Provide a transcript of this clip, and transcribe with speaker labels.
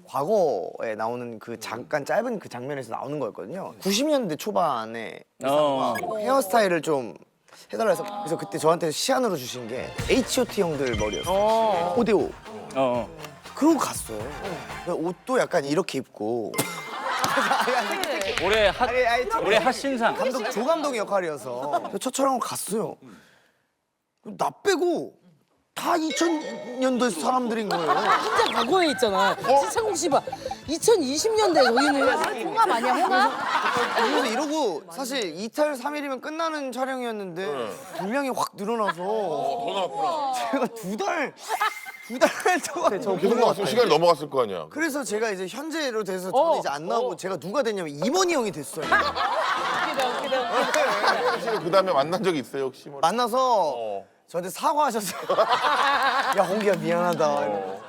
Speaker 1: 과거에 나오는 그 잠깐 짧은 그 장면에서 나오는 거였거든요. 90년대 초반에 이상과 헤어스타일을 좀 해달라 해서 그래서 그때 저한테 시안으로 주신 게 H.O.T 형들 머리였어요. 오데오. 그러고 갔어요. 옷도 약간 이렇게 입고.
Speaker 2: 올해 핫신상.
Speaker 1: 조 감독 역할이어서 첫 촬영을 갔어요. 나 빼고 다 2000년대 사람들인 거예요.
Speaker 3: 진짜 과거에 있잖아. 지창욱 씨 봐. 2020년대 저희는
Speaker 4: 홍합 아니야, 홍합?
Speaker 1: 그래서 이러고 사실 2탈 3일이면 끝나는 촬영이었는데 분량이 확 늘어나서
Speaker 5: 더 나왔구나.
Speaker 1: 제가 두 달 동안 저
Speaker 5: 계속 나왔으면 시간이 넘어갔을 거 아니야.
Speaker 1: 그래서 제가 이제 현재로 돼서 저는 이제 안 나오고 제가 누가 됐냐면 임원희 형이 됐어요.
Speaker 5: 사실 그 다음에 만난 적이 있어요 혹시? 뭐.
Speaker 1: 만나서 저한테 사과하셨어요. 야 홍기야 미안하다.